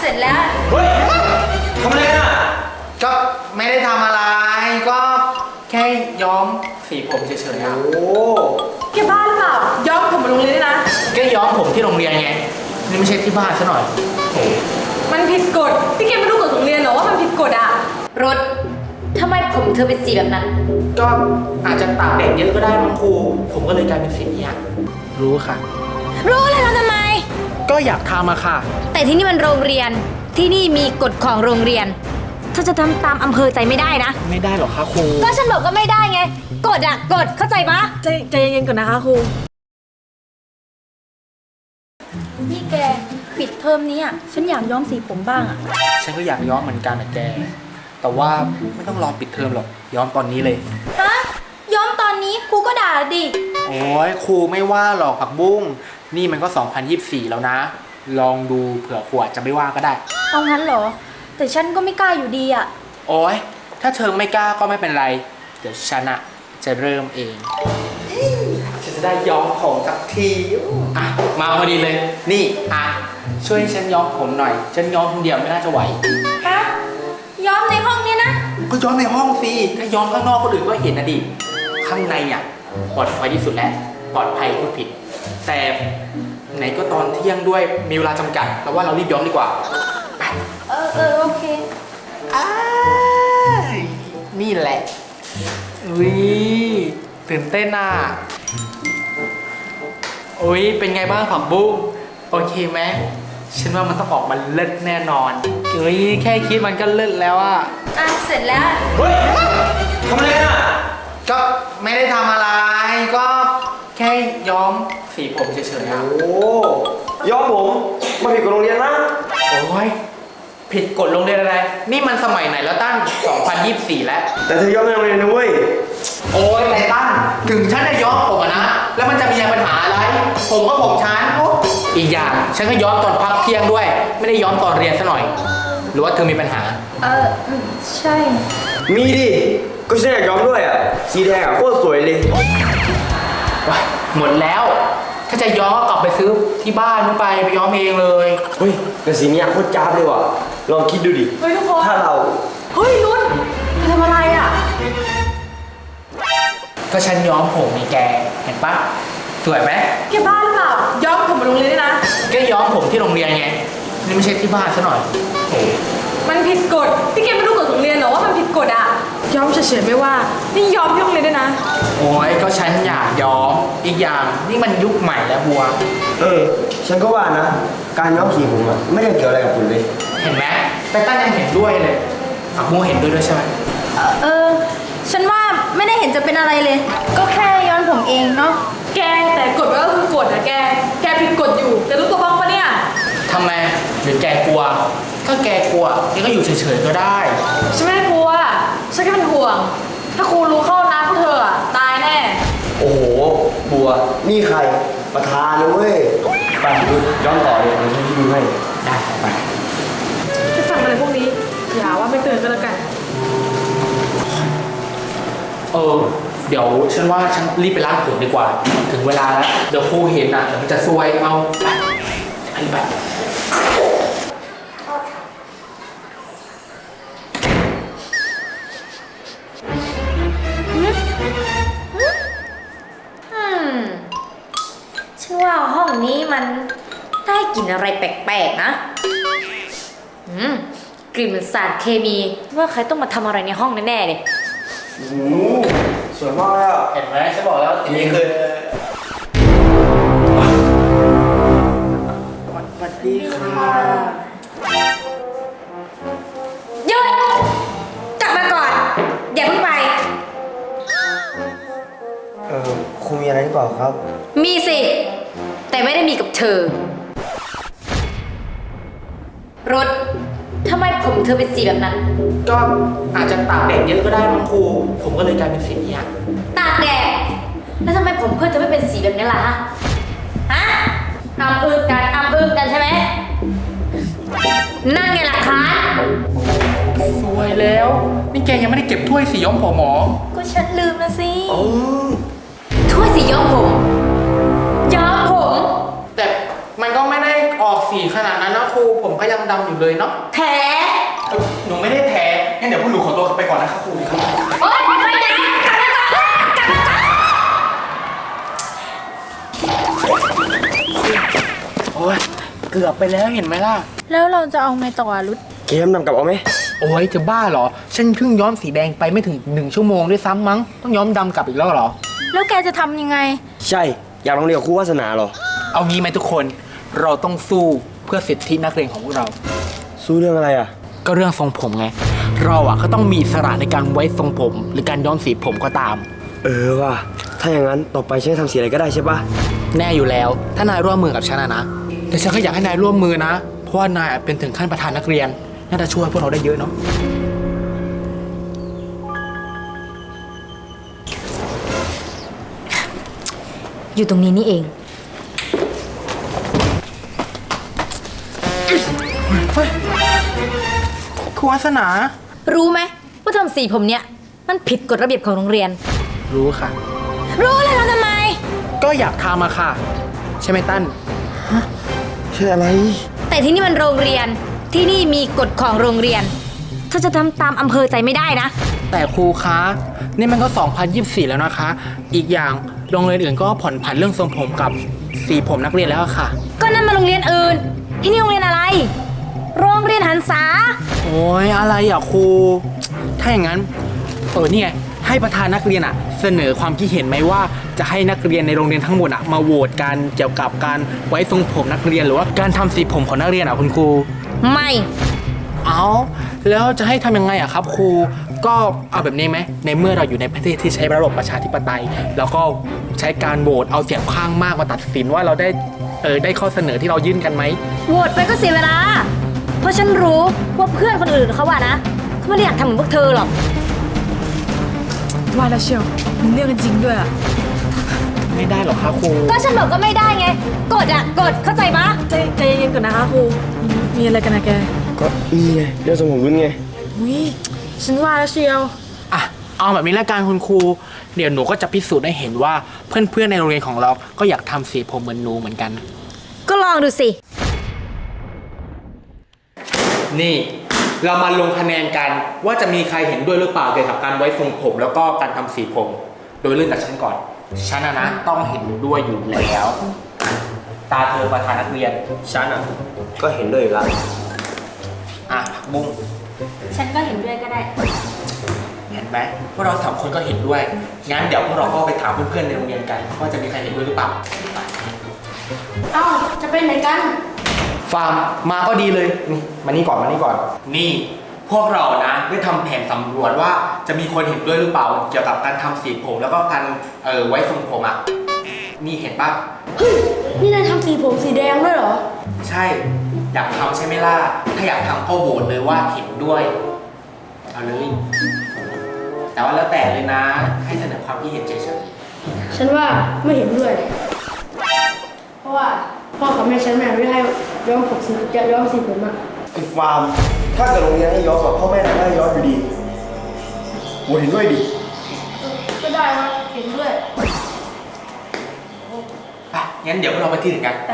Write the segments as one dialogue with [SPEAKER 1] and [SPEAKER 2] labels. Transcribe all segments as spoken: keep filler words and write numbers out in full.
[SPEAKER 1] ร็จแล้ว
[SPEAKER 2] เฮ้ยทำอะไรอ่ะ
[SPEAKER 3] ก็ไม่ได้ทำอะไรก็แค่ย้อมสีผมเฉยๆอ่ะ
[SPEAKER 2] โอ้
[SPEAKER 4] แกบ้าหรือเปล่าย้อมผมมาโรงเรียนด้วยนะ
[SPEAKER 3] แค่ย้อมผมที่โรงเรียนไงนี่ไม่ใช่ที่บ้านซะหน่อยโอ้
[SPEAKER 4] มันผิดกฎพี่แกไม่รู้กฎโรงเรียนเหรอว่ามันผิดกฎอ่ะ
[SPEAKER 1] รถทำไมผมเธอเป็นสีแบบนั้น
[SPEAKER 3] ก็อาจจะตากแดดเยอะก็ได้มั้งครูผมก็เลยกลายเป็นสีนี้อ่ะรู้ค่ะ
[SPEAKER 1] รู้เลยเราทำไม
[SPEAKER 3] ก็อยากทำอะค่ะ
[SPEAKER 1] แต่ที่นี่มันโรงเรียนที่นี่มีกฎของโรงเรียนเธอจะทำตามอำเภอใจไม่ได้นะ
[SPEAKER 3] ไม่ได้หรอกคะครู
[SPEAKER 1] ก็ฉันบอกก็ไม่ได้ไงกฎอะกฎเข้าใจปะ
[SPEAKER 4] ใจใจเย็นๆก่อนนะคะครู
[SPEAKER 1] นี่แกปิดเทอมนี้อะฉันอยากย้อมสีผมบ้างอะ
[SPEAKER 3] ฉันก็อยากย้อมเหมือนกันนะแกแต่ว่าไม่ต้องรอปิดเทอมหรอกย้อมตอนนี้เลย
[SPEAKER 1] ฮะย้อมตอนนี้ครูก็ด่าดิ
[SPEAKER 3] โอ้ยครูไม่ว่าหรอกผักบุ้งนี่มันก็สองพันยี่สิบสี่แล้วนะ ลองดูเผื่อครูอาจจะไม่ว่าก็ได้
[SPEAKER 1] เอางั้นเหรอ แต่ฉันก็ไม่กล้าอยู่ดีอะ
[SPEAKER 3] โอ้ยถ้าเธอไม่กล้าก็ไม่เป็นไร เดี๋ยวฉันอะจะเริ่มเองฉันจะได้ย้อมผมสักทีอ่ะมาพอดีเลย นี่อ่ะช่วยฉันย้อมผมหน่อย ฉันย้อมคนเดียวไม่น่าจะไหว
[SPEAKER 1] ฮะย้อมในห้องเนี้ยนะ
[SPEAKER 3] ก็ย้อมในห้องสิถ้าย้อมข้างนอกคนอื่นก็เห็นนะดิข้างในเนี่ยปลอดภัยที่สุดแล้วปลอดภัยพูดผิด แต่ไหนก็ตอนเที่ยงด้วยมีเวลาจำกัดแล้วว่าเรารีบย้อมดีกว่าไป
[SPEAKER 1] เออเออโอเค
[SPEAKER 3] อ้ายนี่แหละอุ้ยตื่นเต้นอ่ะอุ้ยเป็นไงบ้างผักบุ้งโอเคไหมฉันว่ามันต้องออกมาเลิศแน่นอนอุ้ยแค่คิดมันก็เลิศแล้วอ่ะ
[SPEAKER 1] อ่ะเสร็จแล้ว
[SPEAKER 2] เฮ้ยทำอะไรอ่ะ
[SPEAKER 3] ก็ไม่ได้ทำอะไรก็แค่ย้อมสีผมเฉยๆอ่ะ
[SPEAKER 2] โอ้ย้อมผมมาผิดกับโรงเรียนนะ
[SPEAKER 3] โอ้ยผิดกฎโรงเรียนอะไรนี่มันสมัยไหนแล้วตั้งสองพันยี่สิบสี่แล้ว
[SPEAKER 2] แต่เธอย้อมในโรงเรียนนะเว้ย
[SPEAKER 3] โอ้ยไททันถึงฉันจะย้อมผมอะนะ แล้วมันจะมีปัญหาอะไร ผมก็ผมฉันโอ๊ะอีกอย่างฉันก็ย้อมตอนพักเที่ยงด้วย ไม่ได้ย้อมตอนเรียนซะหน่อย หรือว่าเธอมีปัญหา
[SPEAKER 1] เอออืมใช่
[SPEAKER 2] มีดิ ก็ฉันอยากย้อมด้วยอ่ะ สีแดงอ่ะโคตรสวยเลย
[SPEAKER 3] ว้ายหมดแล้ว ถ้าจะย้อมก็กลับไปซื้อที่บ้านนู้นไปไปย้อมเองเลย
[SPEAKER 2] เฮ้ยแต่สีเนี้ยโคตรจ้าบเลยว่ะ ลองคิดดูดิ
[SPEAKER 4] เฮ้ยทุกคน
[SPEAKER 2] ถ้าเรา
[SPEAKER 4] เฮ้ยนุ่นเธอทำอะไรอ่ะ
[SPEAKER 3] ก็ฉันย้อมผมนี่แก เห็นปะสวยไหม
[SPEAKER 4] แกบ้าหรือเปล่าย้อมผมมาโรงเรียนด้วยนะ
[SPEAKER 3] ก็ย้อมผมที่โรงเรียนไง นี่ไม่ใช่ที่บ้านซะหน่อยโอ้
[SPEAKER 4] มันผิดกฎพี่แกไม่รู้กฎโรงเรียนเหรอว่ามันผิดกฎอ่ะย้อมเฉยๆไม่ว่านี่ย้อมที่โรงเรียนด้วยนะ
[SPEAKER 3] โอ้ยก็ฉันอยากย้อม อีกอย่างนี่มันยุคใหม่แล้วบัว
[SPEAKER 2] เออ ฉันก็ว่านะ การย้อมสีผมอ่ะ ไม่ได้เกี่ยวอะไรกับคุณเลย
[SPEAKER 3] เห็นไหมไตตันยังเห็นด้วยเลยอ่ะโมเห็นด้วยด้วยใช่ไหม
[SPEAKER 1] เออ ฉันว่าไม่ได้เห็นจะเป็นอะไรเลย ก็แค่ย้อนผมเองเนาะ
[SPEAKER 4] แกแต่กฎมันก็คือกฎนะแก แกผิดกฎอยู่แต่รู้ตัวบ้างปะเนี่ย
[SPEAKER 3] ทำไมหรือแกกลัว ถ้าแกกลัวแกก็อยู่เฉยๆก็ได้
[SPEAKER 4] ฉันไม่ได้กลัวฉันแค่เป็นห่วง ถ้าครูรู้เข้านะพวกเธออะตายแน่
[SPEAKER 2] โอ้โห บัว นี่ใคร ประธานนะเว้ย ไปดูย้อนต่อเลยเดี๋ยวฉันดูให้
[SPEAKER 3] ได้ไป
[SPEAKER 4] จะฟังอะไรพวกนี้ อย่าว่าไม่เตือนก็แล้วกัน
[SPEAKER 3] เออ เดี๋ยวฉันว่าฉันรีบไปล้างผมดีกว่า ถึงเวลาแล้ว เดี๋ยวครูเห็นอ่ะเดี๋ยวมันจะซวยเอาไปอันนี้ไป
[SPEAKER 1] อืม ฉันว่าห้องนี้มันได้กลิ่นอะไรแปลกๆนะ อืม กลิ่นเหมือนสารเคมี ว่าใครต้องมาทำอะไรในห้องแน่ๆเลย
[SPEAKER 2] โอ้โหสวยมากเลยอ่ะ
[SPEAKER 3] เห็นไหมฉันบอกแล้ว
[SPEAKER 2] อันนี้คือสวัสดีค่ะ
[SPEAKER 1] หยุดกลับมาก่อน อย่าเพิ่งไป
[SPEAKER 2] เออครูมีอะไรหรือเปล่าครับ
[SPEAKER 1] มีสิ แต่ไม่ได้มีกับเธอ รถทำไมผมเธอเป็นสีแบบนั้น
[SPEAKER 3] ก็อาจจะตากแดดเยอะก็ได้มั้งครู ผมก็เลยกลายเป็นสีนี้อ่ะ
[SPEAKER 1] ตากแดด แล้วทำไมผมเพื่อนเธอไม่เป็นสีแบบนี้ล่ะฮะ ฮะอำอึ้งกันอำอึ้งกันใช่ไหม นั่นไงหลักฐาน
[SPEAKER 3] สวยแล้ว นี่แกยังไม่ได้เก็บถ้วยสีย้อมผมหมอ
[SPEAKER 1] ก็ฉันลืมนะสิ
[SPEAKER 2] โอ้
[SPEAKER 1] ถ้วยสีย้อมผม ย้อมผม
[SPEAKER 3] แต่มันก็ไม่ได้ออกสีขนาดนั้นนะครูผมก็ยังดำอยู่เลยเนาะ
[SPEAKER 1] แท้
[SPEAKER 3] เอ้ยหนูไม่ได้แท้งั้นเดี๋ยวพวกหนูขอตัวไปก่อนนะครับครูครับ
[SPEAKER 1] โอ๊ยไม่นะกลับมาก่อนกลับมาก่อน
[SPEAKER 3] โอ้ยเกือบไปแล้วเห็นไหมล่ะ
[SPEAKER 4] แล้วเราจะเอาไงต่ออะรุด
[SPEAKER 2] เกมนำกลับเอาไหม
[SPEAKER 3] โอ้ยจะบ้าเหรอฉันเพิ่งย้อมสีแดงไปไม่ถึงหนึ่งชั่วโมงด้วยซ้ำมั้งต้องย้อมดำกลับอีกแล้วเหรอ
[SPEAKER 4] แล้วแกจะทำยังไง
[SPEAKER 2] ใช่ อยากลองเรียนกับครูวาสนาเหรอ
[SPEAKER 3] เอางี้ไหมทุกคนเราต้องสู้เพื่อสิทธินักเรียนของพวกเรา
[SPEAKER 2] สู้เรื่องอะไรอ่ะ
[SPEAKER 3] ก็เรื่องทรงผมไง เราอ่ะก็ต้องมีอิสระในการไว้ทรงผม หรือการย้อมสีผมก็ตาม
[SPEAKER 2] เออว่ะถ้าอย่างนั้นต่อไปฉันจะทำสีอะไรก็ได้ใช่ปะ
[SPEAKER 3] แน่อยู่แล้ว ถ้านายร่วมมือกับฉันอะนะ แต่ฉันก็อยากให้นายร่วมมือนะ เพราะว่านายเป็นถึงขั้นประธานนักเรียน น่าจะช่วยพวกเราได้เยอะเนาะ
[SPEAKER 1] อยู่ตรงนี้นี่เอง
[SPEAKER 3] ครูวาสนา
[SPEAKER 1] รู้ไหมว่าทำสีผมเนี่ยมันผิดกฎระเบียบของโรงเรียน
[SPEAKER 3] รู้ค่ะ
[SPEAKER 1] รู้เลยทำทำไม
[SPEAKER 3] ก็อยากทำอะค่ะ ใช่ไหมตั้น
[SPEAKER 2] ใช่อะไร
[SPEAKER 1] แต่ที่นี่มันโรงเรียนที่นี่มีกฎของโรงเรียนเธอจะทำตามอำเภอใจไม่ได้นะ
[SPEAKER 3] แต่ครูคะ นี่มันก็ สองพันยี่สิบสี่ แล้วนะคะ อีกอย่างโรงเรียนอื่นก็ผ่อนผันเรื่องทรงผมกับสีผมนักเรียนแล้วอะค่ะ
[SPEAKER 1] ก็นั่นมาโรงเรียนอื่น ที่นี่โรงเรียนอะไร โรงเรียนหันษา
[SPEAKER 3] โอ้ยอะไรอ่ะครู ถ้าอย่างนั้นเออนี่ไงให้ประธานนักเรียนอ่ะ เสนอความคิดเห็นไหมว่าจะให้นักเรียนในโรงเรียนทั้งหมดอ่ะมาโหวตกันเกี่ยวกับการไว้ทรงผมนักเรียนหรือว่าการทำสีผมของนักเรียนอ่ะคุณครู
[SPEAKER 1] ไม่
[SPEAKER 3] เอาแล้วจะให้ทำยังไงอ่ะครับครูก็เอาแบบนี้ไหมในเมื่อเราอยู่ในประเทศที่ใช้ระบบประชาธิปไตย แล้วก็ใช้การโหวตเอาเสียงข้างมากมาตัดสินว่าเราได้เออได้ข้อเสนอที่เรายื่นกันไหม
[SPEAKER 1] โหวตไปก็เสียเวลา เพราะฉันรู้ว่าเพื่อนคนอื่นเขาว่านะเขาไม่ได้อยากทำเหมือนพวกเธอหรอก
[SPEAKER 4] ว่าแล้วเชียวมันเรื่องกันจริงด้วยอะ
[SPEAKER 3] ไม่ได้หรอกครับครู
[SPEAKER 1] ก็ฉันบอกก็ไม่ได้ไง กดอ่ะ กด เข้าใจปะ
[SPEAKER 4] ใจใจเย็นๆก่อนนะคะครู มีอะไรกันนะแก
[SPEAKER 2] ก็นี่ไงเรื่องทรงผมรุ่นไง
[SPEAKER 4] อุ้ยฉันว่าแล้วเชียว
[SPEAKER 3] อ่ะเอาแบบนี้ละกันคุณครู เดี๋ยวหนูก็จะพิสูจน์ให้เห็นว่าเพื่อนๆในโรงเรียนของเราก็อยากทำสีผมเหมือนหนูเหมือนกัน
[SPEAKER 1] ก็ลองดูสิ
[SPEAKER 3] นี่เรามาลงคะแนนกันว่าจะมีใครเห็นด้วยหรือเปล่าเกี่ยวกับการไว้ทรงผม แล้วก็การทำสีผม โดยเริ่มจากฉันก่อนฉันนะนะต้องเห็นด้วยอยู่แล้ว ตาเธอประธานนักเรียนฉันอ่ะ
[SPEAKER 2] ก็เห็นด้วยอยู่แล้ว
[SPEAKER 3] อ่ะบุ้ง
[SPEAKER 1] ฉันก็เห็นด้วยก็ได้
[SPEAKER 3] เห็นไหมพวกเราสามคนก็เห็นด้วยงั้นเดี๋ยวพวกเราก็ไปถามเพื่อนๆในโรงเรียนกันว่าจะมีใครเห็นด้วยหรือเปล่า
[SPEAKER 4] เอ้า จะไปไหนกัน
[SPEAKER 3] ฟาร์มมาก็ดีเลยนี่มานี่ก่อนมานี่ก่อน นี่พวกเรานะได้ทำแผนสำรวจว่าจะมีคนเห็นด้วยหรือเปล่า เกี่ยวกับการทำสีผมแล้วก็การเออไว้ทรงผมอ่ะนี่เห็นปะ
[SPEAKER 4] เฮ้ย นี่นายทำสีผมสีแดงด้วยเหรอ
[SPEAKER 3] ใช่อยากทำใช่ไหมล่ะถ้าอยากทำก็โหวตเลยว่าเห็นด้วยเอาเลยแต่ว่าแล้วแต่เลยนะให้เสนอความคิดเห็นเฉย
[SPEAKER 5] ฉันว่าไม่เห็นด้วย เพราะว่าพ่อกับแม่ฉันไม่อนุญาตให้ย้อมผมสีย้อมสีผมอะ
[SPEAKER 2] ไอ้ฟาร์ม ถ้าเกิดโรงเรียนให้ย้อนกับพ่อแม่ทำให้ย้อนอยู่ดีโหวตเห็นด้วยดิ
[SPEAKER 5] ก็ได้ว่าเห็นด้วย
[SPEAKER 3] ๆไปงั้นเดี๋ยวพวกเราไปที่อื่นกัน
[SPEAKER 5] แต่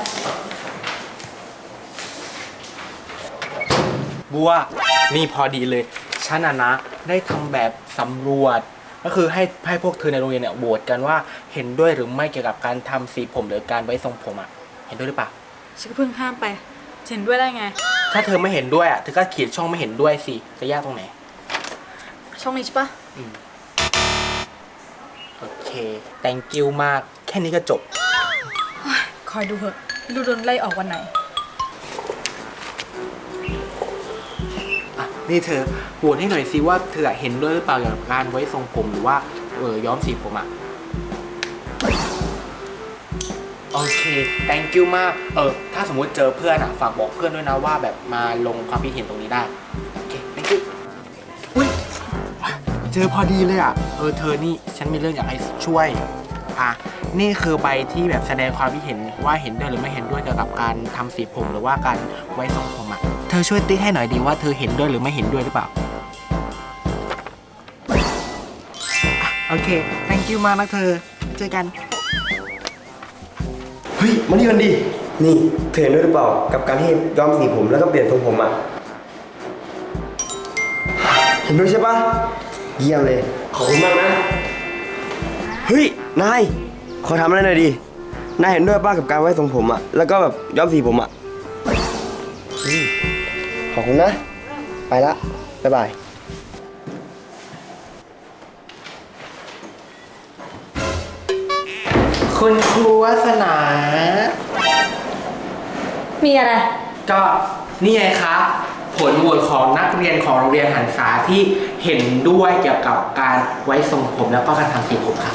[SPEAKER 3] บัวนี่พอดีเลยฉันอะนะได้ทำแบบสำรวจ ก็คือให้ให้พวกเธอในโรงเรียนเนี่ยโหวตกันว่าเห็นด้วยหรือไม่เกี่ยวกับการทำสีผมหรือการไว้ทรงผมอะเห็นด้วยหรือเปล่า
[SPEAKER 4] ฉันก็เพิ่งห้ามไปเห็นด้วยได้ไง
[SPEAKER 3] ถ้าเธอไม่เห็นด้วยอะเธอก็เขียนช่องไม่เห็นด้วยสิจะยากตรงไหน
[SPEAKER 4] ช่องนี้ใช่ปะ
[SPEAKER 3] โอเค thank you มากแค่นี้ก็จบ
[SPEAKER 4] คอยดูเถอะไม่รู้โดนไล่ออกวันไหน
[SPEAKER 3] อ่ะนี่เธอโหวตให้หน่อยสิว่าเธอเห็นด้วยหรือเปล่าเกี่ยวกับการไว้ทรงผมหรือว่าเออย้อมสีผมอะโอเค thank you มากเออถ้าสมมุติเจอเพื่อนอะฝากบอกเพื่อนด้วยนะว่าแบบมาลงความคิดเห็นตรงนี้ได้โอเค thank you อุ้ยเจอพอดีเลยอะเออเธอนี่ฉันมีเรื่องอยากให้ช่วยอ่ะนี่คือใบที่แบบแสดงความคิดเห็นว่าเห็นด้วยหรือไม่เห็นด้วยเกี่ยวกับการทำสีผมหรือว่าการไว้ทรงผมอะเธอช่วยติ๊กให้หน่อยดีว่าเธอเห็นด้วยหรือไม่เห็นด้วยหรือเปล่าอ่ะโอเค thank you มากนะเธอเจอกัน
[SPEAKER 2] เฮ้ย มานี่กันดินี่เธอเห็นด้วยหรือเปล่ากับการที่ย้อมสีผมแล้วก็เปลี่ยนทรงผมอ่ะ เห็นด้วยใช่ปะเยี่ยมเลย ขอบคุณมากนะ เฮ้ย นาย ขอทำอะไรหน่อยดิ นายเห็นด้วยป้ากับการไว้ทรงผมอ่ะ แล้วก็แบบย้อมสีผมอ่ะอืมขอบคุณนะ ไปละ บ๊ายบาย
[SPEAKER 3] คุณครูวาสนา
[SPEAKER 1] มีอะไร
[SPEAKER 3] ก็นี่ไงคะผลโหวตของนักเรียนของโรงเรียนหันษาที่เห็นด้วยเกี่ยวกับการไว้ทรงผมแล้วก็การทำสีผมค่ะ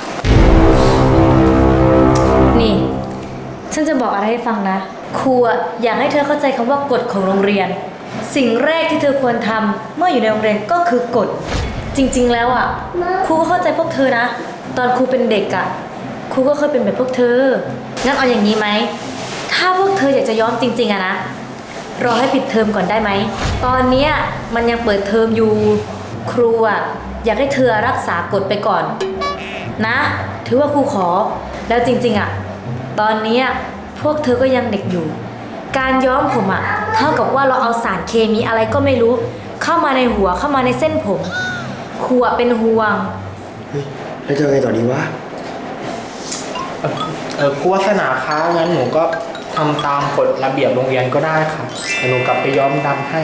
[SPEAKER 1] นี่ ฉันจะบอกอะไรให้ฟังนะ ครูอะอยากให้เธอเข้าใจคำว่ากฎของโรงเรียน สิ่งแรกที่เธอควรทำเมื่ออยู่ในโรงเรียนก็คือกฎ จริงๆแล้วอ่ะ ครูก็เข้าใจพวกเธอนะ ตอนครูเป็นเด็กอ่ะ ครูก็เคยเป็นแบบพวกเธอ งั้นเอาอย่างนี้ไหม ถ้าพวกเธออยากจะย้อมจริงๆอะนะ รอให้ปิดเทอมก่อนได้ไหม ตอนเนี้ยมันยังเปิดเทอมอยู่ ครูอ่ะอยากให้เธอรักษากฎไปก่อน นะ ถือว่าครูขอ แล้วจริงๆอ่ะ ตอนเนี้ยพวกเธอก็ยังเด็กอยู่ การย้อมผมอ่ะ เท่ากับว่าเราเอาสารเคมีอะไรก็ไม่รู้ เข้ามาในหัวเข้ามาในเส้นผม ครูอ่ะเป็นห่วง
[SPEAKER 2] เฮ้ย แล้วจะไงต่อดีวะ
[SPEAKER 3] เออเออครูวาสนาคะงั้นหนูก็ทำตามกฎระเบียบโรงเรียนก็ได้ค่ะแต่หนูกลับไปย้อมดำให้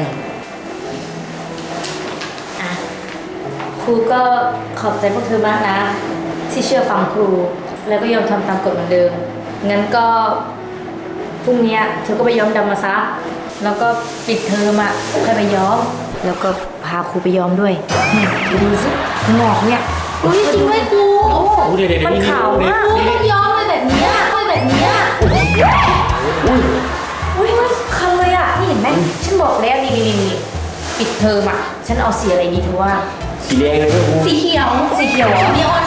[SPEAKER 1] อ่ะ ครูก็ขอบใจพวกเธอมากนะ ที่เชื่อฟังครู แล้วก็ยอมทำตามกฎเหมือนเดิม งั้นก็พรุ่งเนี้ยเธอก็ไปย้อมดำมาซะ แล้วก็ปิดเทอมอ่ะค่อยไปย้อม แล้วก็พาครูไปย้อมด้วยนี่ดูสิหงอกเนี่ย
[SPEAKER 4] อุ้ยจริงด้วยครู
[SPEAKER 3] เดี๋ยวเดี๋ยว
[SPEAKER 1] มันขาวมาก
[SPEAKER 4] ครูต้องย้อมเลยแบบเนี้ยต้องแบบเนี้ย
[SPEAKER 1] อุ้ยคันเลยอ่ะ นี่เห็นไหม ฉันบอกแล้วนี่นี่นี่นี่ปิดเทอมอ่ะ ฉันเอาสีอะไรดีเธอว่า
[SPEAKER 2] สีแดงเลยด้วยครู
[SPEAKER 4] สีเขียว
[SPEAKER 1] สีเขียวเหรอ
[SPEAKER 4] นีออน